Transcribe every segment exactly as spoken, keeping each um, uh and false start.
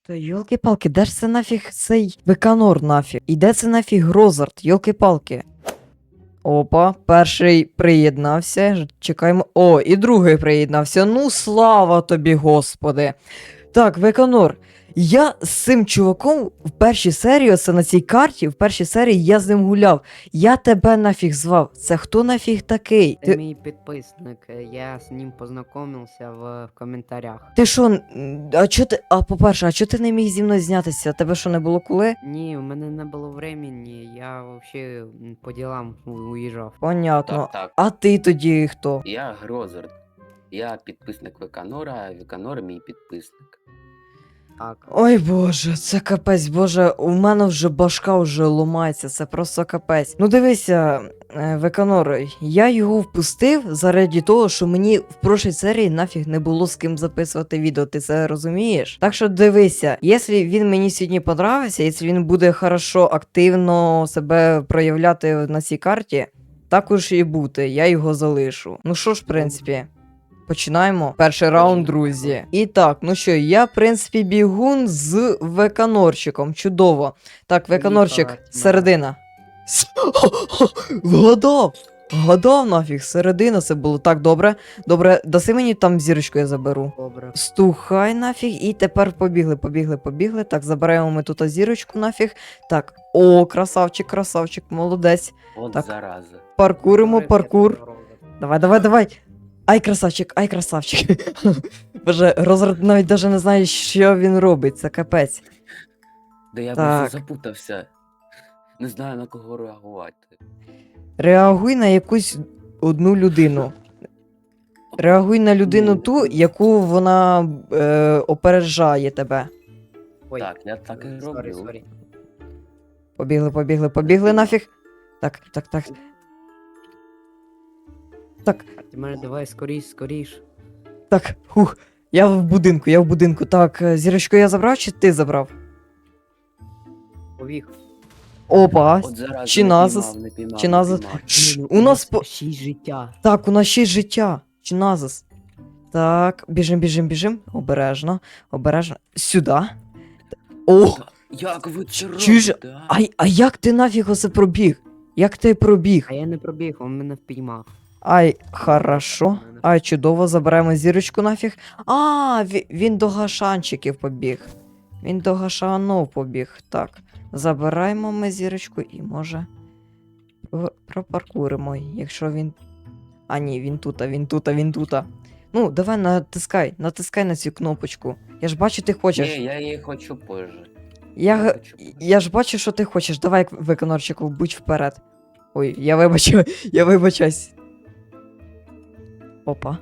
Та йолки-палки, де ж це нафіг цей Веканор нафіг? І де це нафіг Грозард, йолки-палки? Опа, перший приєднався. Ж- Чекаємо. О, і другий приєднався. Ну, слава тобі, господи. Так, Веканор. Я з цим чуваком в першій серії, оце на цій карті, в першій серії я з ним гуляв. Я тебе нафіг звав. Це хто нафіг такий? Це Ти, мій підписник, е, я з ним познайомився в, в коментарях. ти що, н- а чо ти. А по-перше, а чо ти не міг зі мною знятися? Тебе що не було коли? Ні, у мене не було времени, я взагалі по ділам у- уїжджав. Понятно. Так, так. А ти тоді хто? Я Грозард. Я підписник Веканора, а Веканор мій підписник. Так. Ой боже, це капець, боже, у мене вже башка вже ломається, це просто капець. Ну дивися, е, Веканор, я його впустив заради того, що мені в прошлій серії нафіг не було з ким записувати відео, ти це розумієш? Так що дивися, якщо він мені сьогодні подобається, якщо він буде хорошо, активно себе проявляти на цій карті, також і бути, я його залишу. Ну що ж, в принципі. Починаємо. Перший раунд, друзі. І так, ну що, я, в принципі, бігун з Веканорчиком. Чудово. Так, Веканорчик, Поїхали. середина. С- Вгадав! Вгадав нафіг, середина це було так добре. Добре, даси мені там зірочку, я заберу. Добре. Стухай нафіг, і тепер побігли, побігли, побігли. Так, забираємо ми тут зірочку нафіг. Так, о, красавчик, красавчик, молодець. От Так. зараза. Паркуримо, Добре, паркур. я здоровий. Давай, давай, давай. Ай, красавчик, ай, красавчик. Боже, Розард навіть даже не знає, що він робить, це капець. Да я Так. просто запутався. Не знаю на кого реагувати. Реагуй на якусь одну людину. Реагуй на людину ту, яку вона е, опереджає тебе. Ой, Так, я так і сорі, роблю. сорі. Побігли, побігли, побігли нафіг. Так, так, так. Так, А ти мене давай скоріш, скоріш. так, хух. Я в будинку, я в будинку. Так, е, зірочку я забрав чи ти забрав? Побіг. Опа. От зараза, Чи не назас? піймав, не піймав, Чи не назас? піймав. Ш, Ну, у нас по. шість життя. Так, у нас ще й життя. Чи назас? Так, біжим, біжим, біжим. Обережно, обережно. Сюди. О! Як ви це Чуєш? робите? а? А, а як ти нафіг оце пробіг? Як ти пробіг? А я не пробіг, він мене впіймав. Ай, хорошо. Ай, чудово, забираємо зірочку нафіг. А, ві- він до гашанчиків побіг. Він до гашанов побіг. Так. Забираємо ми зірочку і може. про- Пропаркуримо, якщо він. А ні, він тут, а він тут, а він тут. Ну, давай натискай, натискай на цю кнопочку. Я ж бачу, ти хочеш. Ні, я її хочу позже. Я, г- хочу позже. я ж бачу, що ти хочеш. Давай, Виконорчику, будь вперед. Ой, я вибачу, я вибачаюсь. Опа.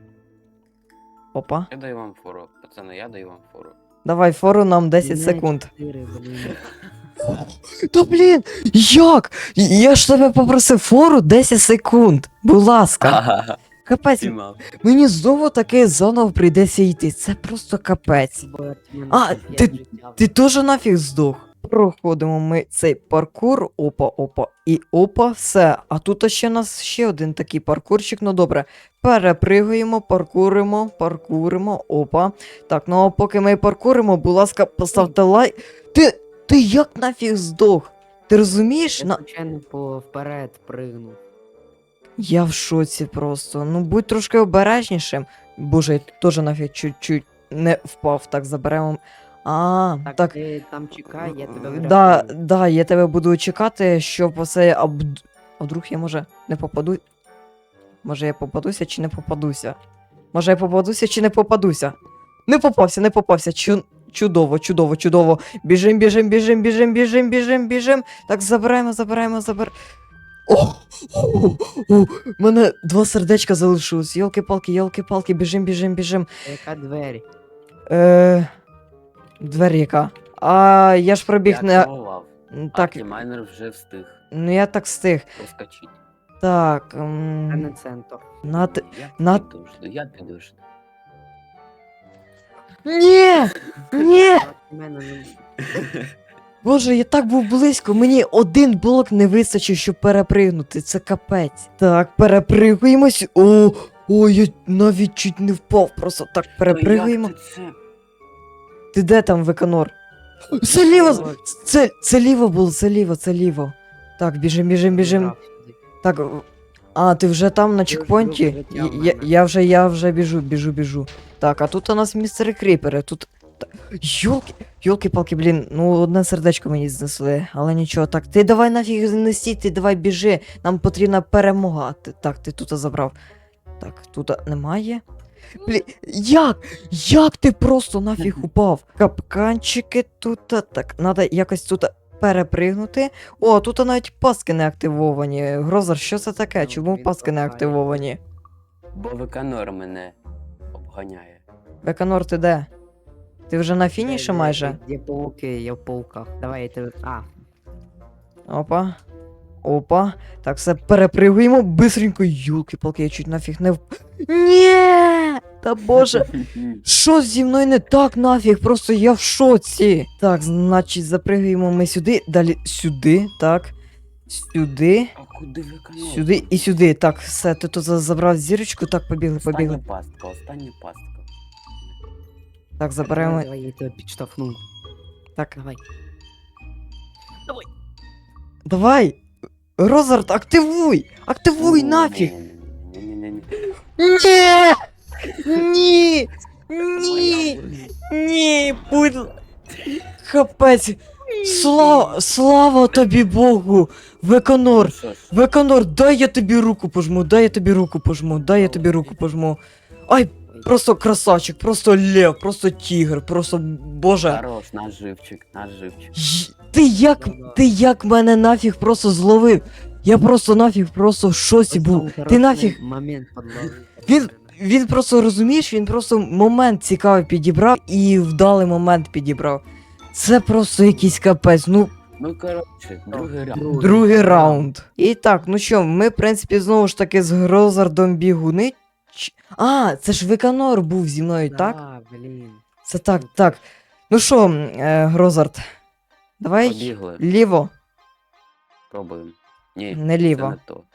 Опа. Я даю вам фору, пацани, я даю вам фору. Давай, фору нам десять Мене секунд. чотири, блін. Та блін, як? Я ж тебе попросив фору десять секунд. Будь ласка. Ага, Капець, піймав. мені знову таки заново прийдеться йти. Це просто капець. Бо от мене А, п'ять ти- життя. Ти теж нафіг здох. Проходимо ми цей паркур, опа, опа, і опа, все. А тут ще у нас ще один такий паркурчик, ну добре. Перепригуємо, паркуримо, паркуримо, опа. Так, ну а поки ми паркуримо, будь ласка, поставте лайк. Ти, ти як нафіг здох? Ти розумієш? Я На... звичайно по вперед пригнув. Я в шоці просто. Ну будь трошки обережнішим. Боже, я теж нафіг чуть-чуть не впав. Так, заберемо. А, Так, так. ти там чекай, я тебе Да, врятую. да, я тебе буду чекати, щоб оце. А, бд- а вдруг я може не попаду. Може я попадуся чи не попадуся? Може я попадуся чи не попадуся? Не попався, не попався. Чу... Чудово, чудово, чудово. Біжим, біжим, біжим, біжим, біжим, біжим, біжим. Так, забираємо, забираємо, забер. О, о, о, мене два сердечка залишилось. Йолки-палки, йолки-палки, біжим, біжим, біжим. Яка двері? Е... Двері яка? А я ж пробіг Я не. активував. М, Так. Так, Майнер вже встиг ну я так встиг. проскочити. Так. Це М... не центр. На т... Я на- підожду, я підожду. Ні! Ні! А в мене не- Боже, я так був близько. Мені один блок не вистачив, щоб перепригнути. Це капець. Так, перепригуємось. О, о, я навіть чуть не впав. Просто так перепригуємо. Та як ти це? Ти де там, Виконор? Це ліво! Це, це ліво було, це ліво, це ліво. Так, біжим, біжим, біжим. Грав сюди. Так, а, ти вже там на вже чекпоінті? вже Я, в я, мене. я вже, я вже біжу, біжу, біжу. Так, а тут у нас містери Кріпери, тут... та- Йолки, йолки-палки, блін, ну одне сердечко мені знесли, але нічого. Так, ти давай нафіг не стій, ти давай біжи, нам потрібна перемога. Ти- Так, ти тут забрав. Так, тут немає. Блін, як? Як ти просто нафіг упав? Капканчики тут, так, надо якось тут перепригнути. О, тут навіть паски не активовані. Грозер, що це таке? Ну, Чому він паски не кохає. активовані? Бо Виканор мене обганяє. Беканор, ти де? Ти вже на фініші Де- де- майже? Де пауки, я в пауках. Давай я тебе. А, Опа. Опа. Так, все перепригуємо бистренько. Юлки-палки, я чуть нафіг не в. Ні! Та боже. Що зі мною не так нафіг? Просто я в шоці. Так, значить, запригуємо ми сюди, далі сюди, так. Сюди, А куди Виканор? сюди і сюди. Так, все, ти тут за- забрав зірочку, так, побігли, побігли. Остання пастка, остання пастка. Так, заберемо. давай, давай, я тебе підштовхну. Так, Давай. давай! Розард, активуй! Активуй нафіг! Ні-ні-ні. Ні! Ні! Ні! Ні! Будь... л- Капець! Слава, слава тобі Богу! Виконор! Ну що ж, Виконор, дай я тобі руку пожму, дай я тобі руку пожму, дай я тобі руку пожму. Ай, просто красавчик, просто лев, просто тігр, просто боже. Хорош, наш живчик, наш живчик. Й- Ти як, ти як мене нафіг просто зловив? Я просто нафіг просто в шоці був. Ти нафіг, Момент подловив. Він- він просто розумієш, він просто момент цікавий підібрав і вдалий момент підібрав. Це просто якийсь капець, ну Ну коротше, другий раунд. другий раунд. І так, ну що, ми, в принципі, знову ж таки з Грозардом бігуни. Ч- А, це ж Виканор був зі мною, так? Да, блін. Це так, так. Ну що, м, е, Грозард, давай Побігли, ліво, пробуємо. Ні, не це ліво. не то.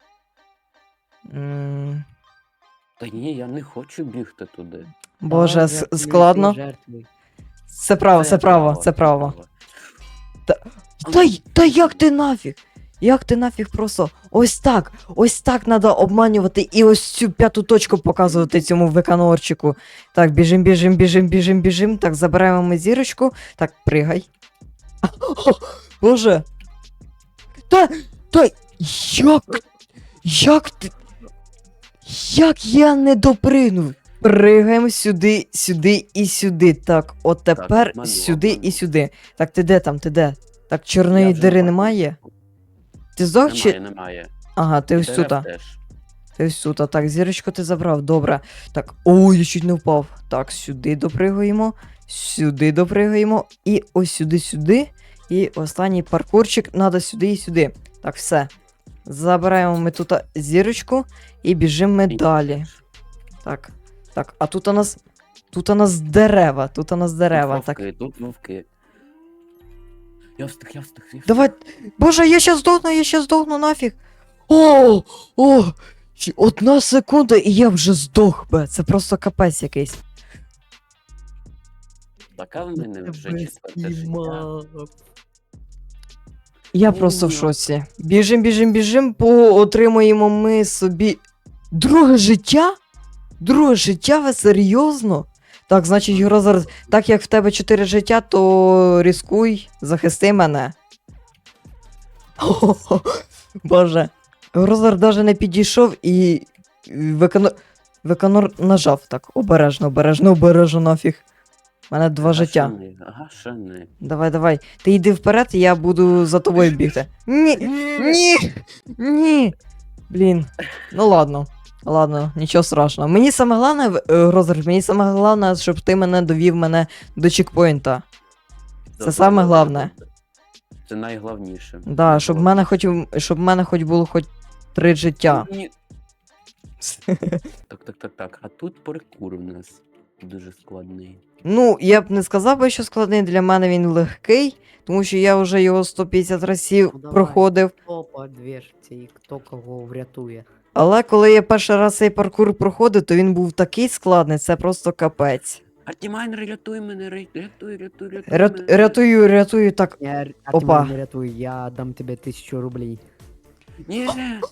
М, Та ні, я не хочу бігти туди. Боже, Давай, с- жертвуй, складно. ти жертвуй. Це право, це право, це право. Та, й- та як ти нафіг? Як ти нафіг просто ось так, ось так треба обманювати і ось цю п'яту точку показувати цьому виканорчику. Так, біжим, біжим, біжим, біжим, біжим. Так, забираємо ми зірочку. Так, пригай. О, Боже. Та, та, як, як ти, як я не допригнув? Пригаємо сюди, сюди і сюди. Так, от тепер обманув, сюди обманув. і сюди. Так, ти де там, ти де? Так, чорної Я вже дири бачу. немає? Ти здох Немає, чи. немає. Ага, ти ось Дерев тут. теж. Ти ось тут. Так, зірочку ти забрав, добре. Так, ой, я чуть не впав. Так, сюди допригуємо, сюди допригуємо, і ось сюди, сюди. І останній паркурчик треба сюди і сюди. Так, все. Забираємо ми тут зірочку і біжимо ми І далі. теж. Так, так, а тут у нас. Тут у нас дерева, тут у нас дерева. Тут Так. вовки, тут вовки. Я встиг, я встиг, я встиг. Давай. Боже, я щас здохну, я щас здохну нафіг. О! О! Ще Одна секунда, і я вже здох би. Це просто капець якийсь. Така в мене вже четверте життя. Я Ні, просто в ні. шоці. Біжим, біжим, біжим, поотримуємо ми собі. Друге життя? Друге життя, ви серйозно? Так, значить, Грозар, так як в тебе чотири життя, то ризикуй, захисти мене. Хо-хо-хо. Боже. Грозар даже не підійшов і. Виконор... Виконор нажав так. Обережно, обережно, обережно нафіг. У мене два життя. Гашени, гашени. Давай, давай. Ти йди вперед, і я буду за тобою бігти. Ні! Ні! Ні! Блін. Ну ладно. Ладно, нічого страшного. Мені саме головне, в- е, Грозер, мені саме головне, щоб ти мене довів мене до чекпоінта. Це саме головне. Це найголовніше. Да, щоб в мене хоч щоб в мене хоч було хоч три життя. Ні. Так, так, так, так. А тут паркур у нас дуже складний. Ну, я б не сказав би, що складний, для мене він легкий, тому що я вже його сто п'ятдесят разів Ну, давай. проходив. Хто по двірці і хто кого врятує. Але коли я перший раз цей паркур проходив, то він був такий складний, це просто капець. Артімайнер, рятуй мене, ря- рятуй, рятуй, рятуй Рят, мене. рятую, рятую, так. Я, р- а Опа. ты меня не рятуй, я дам тебе тысячу рублей. Ні,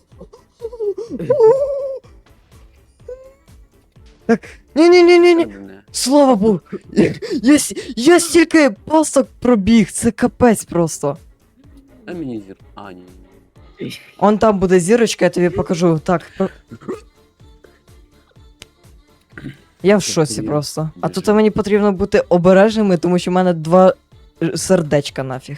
Так. Ні-ні-ні-ні-ні. мене. Слава Богу. Я, я, с- я стільки пасток пробіг, це капець просто. А мені зір. А, ні. Он там буде зірочка, я тобі покажу. Так. про- Я в шоці Тобі просто. А дуже. тут мені потрібно бути обережними, тому що в мене два е, сердечка нафіг.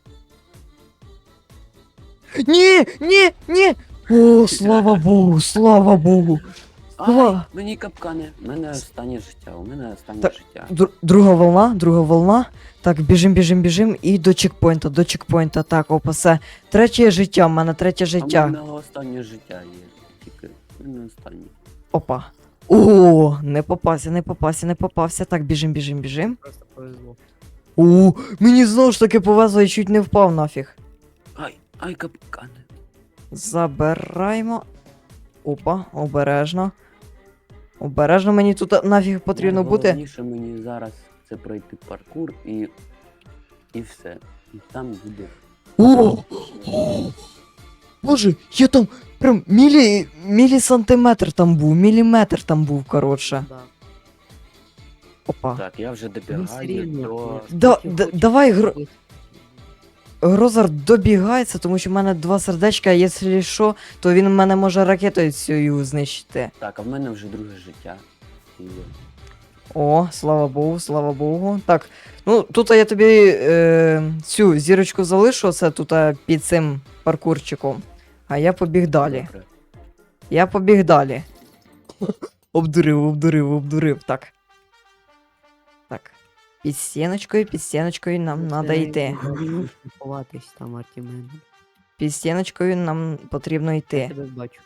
Ні, ні, ні! О, слава Богу, слава Богу. Слава. Ай, мені капкани. У мене останнє життя, у мене останнє Так. життя. Дру- друга волна, друга волна. Так, біжим, біжим, біжим і до чекпоінта, до чекпоінта. Так, опа, все. Третє життя, в мене третє А в життя. мене останнє життя є. Тільки, в мене останнє. Опа. О, не попався, не попався, не попався. Так, біжим, біжим, біжим. Просто повезло. О, мені знову ж таки повезло і чуть не впав нафіг. Ай, ай, капкани. Забираємо. Опа, обережно. Обережно мені тут нафіг потрібно бути. Найголовніше мені зараз це пройти паркур і. І все. І там буде. О! Боже, я там прям мілі, мілісантиметр там був, міліметр там був, коротше. Да. Опа. Так, я вже Ну, добігаю середньо, до. конечно. Да, Хочешь- да, хочешь давай, Гро- быть- Грозар добігається, тому що в мене два сердечка, а якщо що, то він мене може ракетою цією знищити. Так, а в мене вже друге життя. І... О, слава Богу, слава Богу. Так, ну тут я тобі е, цю зірочку залишу, це тут е, під цим паркурчиком. А я побіг далі. Добре. Я побіг далі. Обдурив, обдурив, обдурив. Так. Так. Під стіночкою, під стіночкою нам Це треба не йти. можна ховатись там, Артімен. Під стіночкою нам потрібно Я йти. тебе бачу.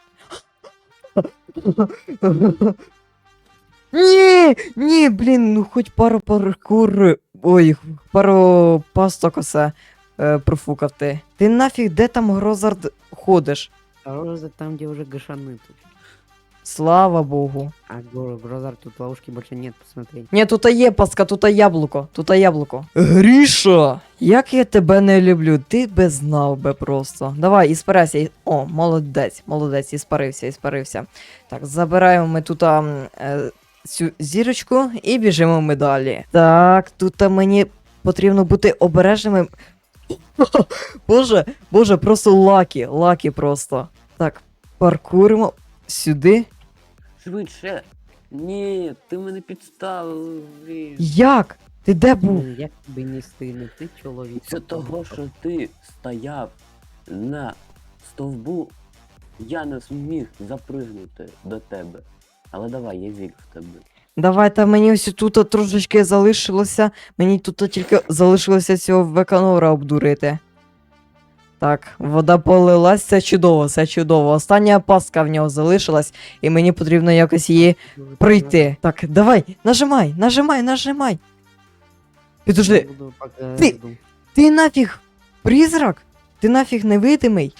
Ні, ні, блін, ну хоч пару паркур. Ой, пару пасток осе е, профукав ти. Ти нафіг де там Грозард ходиш? А Роза там, где уже гашаны тут. Слава Богу. А Гро- Грозар тут ловушки больше нет, посмотри. Ні, тут є паска, тут яблуко, тут яблуко. Гріша, як я тебе не люблю, ти би знав би просто. Давай, іспарайся. і- О, молодець, молодець, іспарився, іспарився. Так, забираємо ми тут а, м, е, цю зірочку і біжимо ми далі. Так, тут а, мені потрібно бути обережними. Боже, боже, просто лакі, лакі просто. Так, паркуримо сюди. Швидше. Ні, ти мене підставив. блін. Як? Ти де був? Блин, як тобі не стидно, ти чоловік. Це того, що ти стояв на стовбу, я не зміг запригнути до тебе. Але давай, я вірю в тебе. Давайте мені ось тут трошечки залишилося. Мені тут тільки залишилося цього веканора обдурити. Так, вода полилась, це чудово, це чудово. Остання пастка в нього залишилась, і мені потрібно якось її пройти. Так, давай, нажимай, нажимай, нажимай. Підожди, Буду пока Ти- жду. ти нафіг призрак? Ти нафіг невидимий?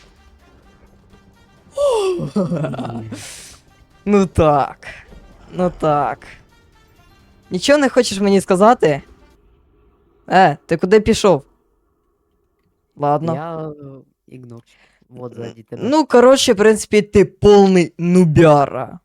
Ну так. Ну так. Нічого не хочеш мені сказати? Е, ти куди пішов? Ладно. Я э, ігнор. Вот сзади тебе. Ну, коротше, в принципі, ти повний нубяра.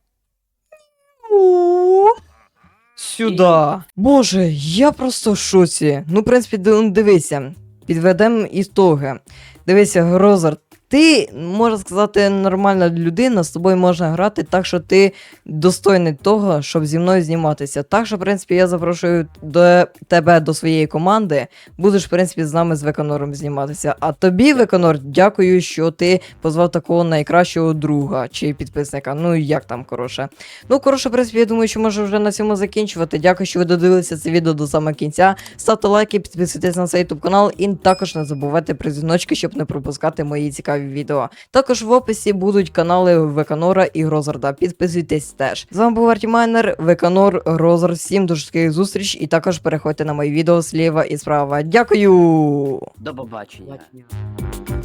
О, сюда. Боже, я просто в шоці. Ну, в принципі, ди- ну, дивися. Підведемо ітоги. Дивися, Грозар, ти, можна сказати, нормальна людина, з тобою можна грати, так що ти достойний того, щоб зі мною зніматися. Так що, в принципі, я запрошую до тебе до своєї команди. Будеш, в принципі, з нами з Веканором зніматися. А тобі, Веканор, дякую, що ти позвав такого найкращого друга чи підписника. Ну, як там, коротше. Ну, коротше, в принципі, я думаю, що можу вже на цьому закінчувати. Дякую, що ви додивилися це відео до самого кінця. Ставте лайки, підписуйтесь на цей YouTube канал і також не забувайте про дзвіночки, щоб не пропускати мої цікаві відео. Також в описі будуть канали Веканора і Грозарда. Підписуйтесь теж. З вами був Артімайнер, Веканор, Грозар. Всім до швидких зустріч і також переходьте на мої відео зліва і справа. Дякую! До побачення. Бачення.